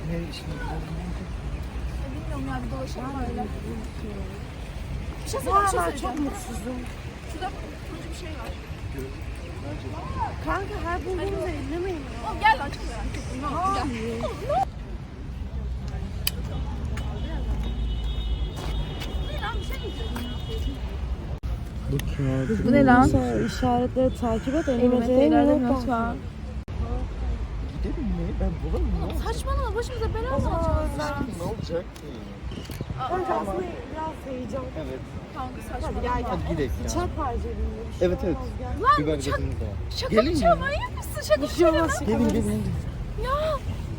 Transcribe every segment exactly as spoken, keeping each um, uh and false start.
Bilmiyorum ya, bir dolaşalım öyle. Bir şey Bu söyleyeceğim, bir şey aralar söyleyeceğim. çok mutsuzum. Şurada turuncu bir şey var. Kanka her bulduğumuzu ellemeyin ya. Oğlum gel lan, çok merak ettim. Gel. Oğlum ne? Bir şey diyeceğim ya. Bu ne lan? Sonra işaretleri takip et. Elimetrelerde not var. Gidelim mi? Ben bulamam mı? Saçmalama, başımıza bela mı alacağız ya? Ne olacak ki? Kanka aslında biraz heyecan. Evet. Kanka Hadi saçmalama. Hadi gel gel. gidelim ya. Bıçak var cebinde. Bir şey Evet evet. olmaz, gel. Bir Lan bak şaka, dediniz de. şaka Gelin bir mi? şey manyak mısın? Şaka Bir bir şey şey olmaz. Gelin şaka. gelin. Ya.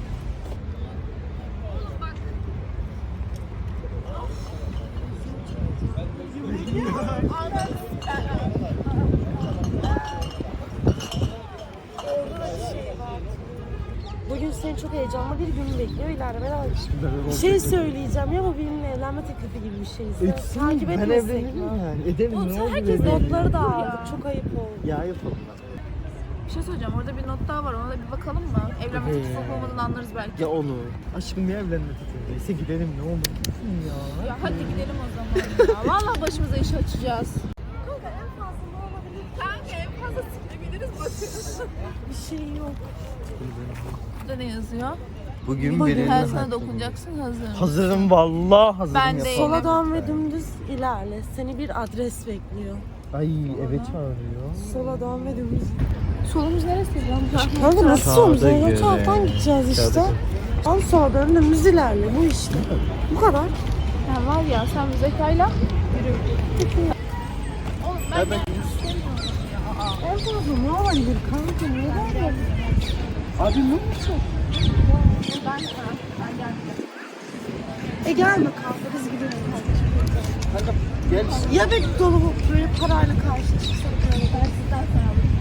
Bugün seni çok heyecanlı bir gün bekliyor. İleride beraber. Bir şey söyleyeceğim ya, bu benimle evlenme teklifi gibi bir şey. Etsin. Takip Ben etmesek evlenirim mi? yani. Edelim Oğlum ne sen olur herkes edelim. Notları da Ya. aldık. Çok ayıp oldu. Ya yapalım. Bir şey söyleyeceğim, orada bir not daha var, ona da bir bakalım mı? Evlenme teklifi olup olmadığını anlarız belki. Ya olur. Aşkım niye evlenme tutunduysa gidelim ne olur. Ya. Ya hadi gidelim o zaman ya. Vallahi başımıza iş açacağız. Kanka en fazla ne olabilir? Kanka en fazla sikilebiliriz bakın. Bir şey yok. Burada ne yazıyor? Bugün Bugün birinin her sana hakkı. dokunacaksın, hazır. Hazırım vallahi hazırım. Ben yapalım. de- Sola dön ve dümdüz ilerle. Seni bir adres bekliyor. Ay eve çağırıyor. Sola dön ve dümdüz. Solumuz neresi lan? Kanka nasıl Kağıda sorumuz? O göre. taraftan gideceğiz işte. Kağıda Al sola dön dümdüz ilerle. Bu işte. Bu kadar. Sen var ya, sen bu zekayla yürü. Oğlum ben ben- gelmek istemiyorum ya. En fazla ne olabilir kanka? Ne var? Abi ne olacak? Ben, ben, ben gelmeyeceğim. E gelme kanka, biz gidelim. Kanka gel işte. Ya bir dolabı böyle parayla karşı çıksak böyle. Ben sizden sonra alırım.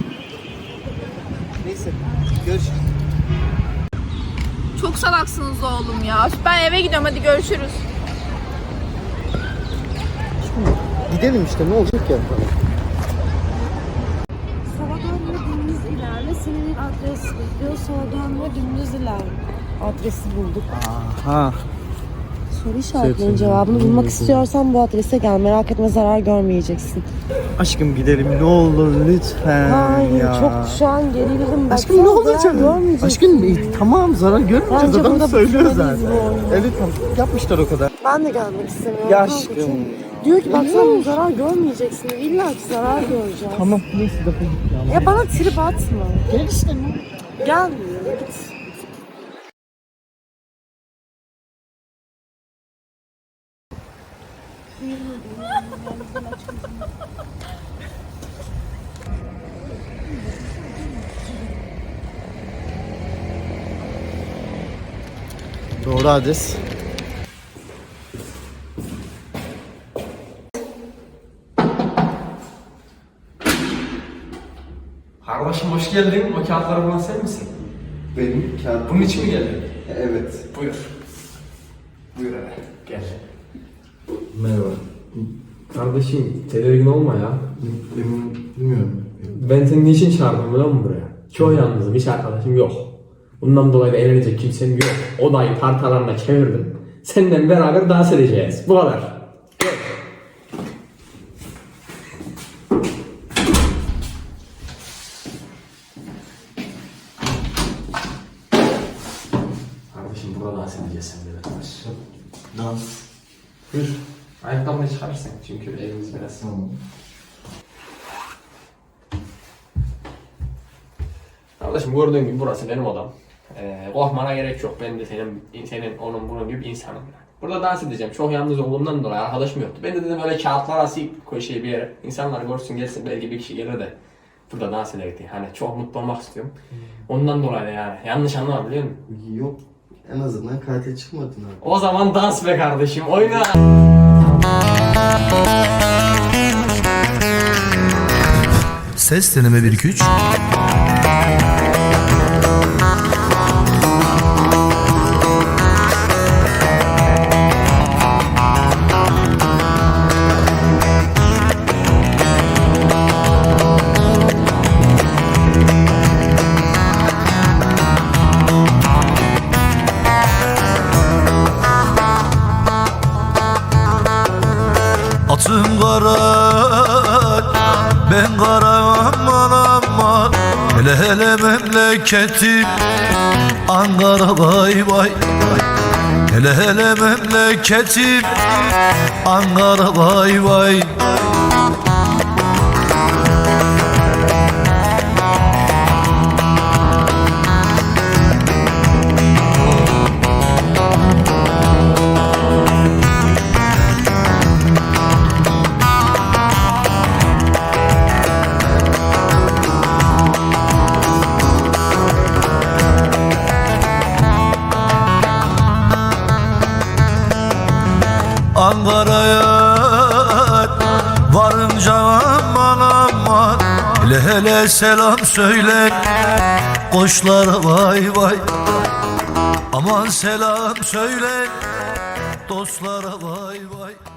Neyse. Görüşürüz. Çok salaksınız oğlum ya. Ben eve gidiyorum, hadi görüşürüz. Gidelim işte ne olacak ya? Sola dön ve dümdüz ilerle. Seni bir adres bekliyor. Sola dön ve dümdüz ilerle. Adresi bulduk. Aha. Soru işaretlerinin Seçim. cevabını bulmak Hmm. istiyorsan bu adrese gel. Merak etme, zarar görmeyeceksin. Aşkım gidelim ne olur lütfen Hayır, ya. çok şu an gerildim. Aşkım ne Baksana, olacak? zarar görmeyeceksin. Aşkım e, tamam zarar görmeyeceğiz, Bence adam burada söylüyor bitirmeliyiz zaten. bu oyunu. Evet tamam yapmışlar o kadar. Ben de gelmek istemiyorum. Ya kanka, aşkım çünkü ya. diyor ki baksana zarar görmeyeceksin. İlla ki zarar göreceğiz. Tamam neyse defol git ya. Ya bana trip atma. Gel işte ne? Gelmiyor. Git. Doğru adres. Kardeşim hoş geldin. O kağıtları bulan sen misin? Benim kağıt. Bunun için mi geldin? Evet. Buyur. Buyur hele. Gel. Merhaba. Kardeşim tedirgin olma ya. Bilmiyorum. Ben seni niçin çağırdım biliyor musun buraya? Çok yalnızım, hiç arkadaşım yok. Bundan dolayı da eğlenecek kimsem yok. Odayı partalarına çevirdim. Seninle beraber dans edeceğiz. Bu kadar. Gel. Kardeşim burada dans edeceğiz seninle beraber. Dans. Buyur. Ayakkabını çıkarırsın çünkü evimiz biraz. Tamam. Kardeşim gördüğün gibi burası benim odam. Ee, korkmana gerek yok. Ben de senin, senin onun bunun gibi insanım. Burada dans edeceğim. Çok yalnız olduğumdan dolayı arkadaşım yoktu. Ben de dedim öyle kağıtlar asayım köşeye bir yere. İnsanlar görsün gelsin, belki bir kişi gelir de burada dans eder diye. Hani çok mutlu olmak istiyorum. Ondan dolayı da yani. Yanlış anlama biliyor musun? Yok. En azından katil çıkmadın abi. O zaman dans be kardeşim. Oyna. Ses deneme bir iki üç. kara, ben kara aman aman. Hele hele memleketim Ankara vay vay. Hele hele memleketim Ankara vay vay. Ankara'ya varınca aman aman. Hele hele selam söyle koçlara vay vay. Aman selam söyle dostlara vay vay.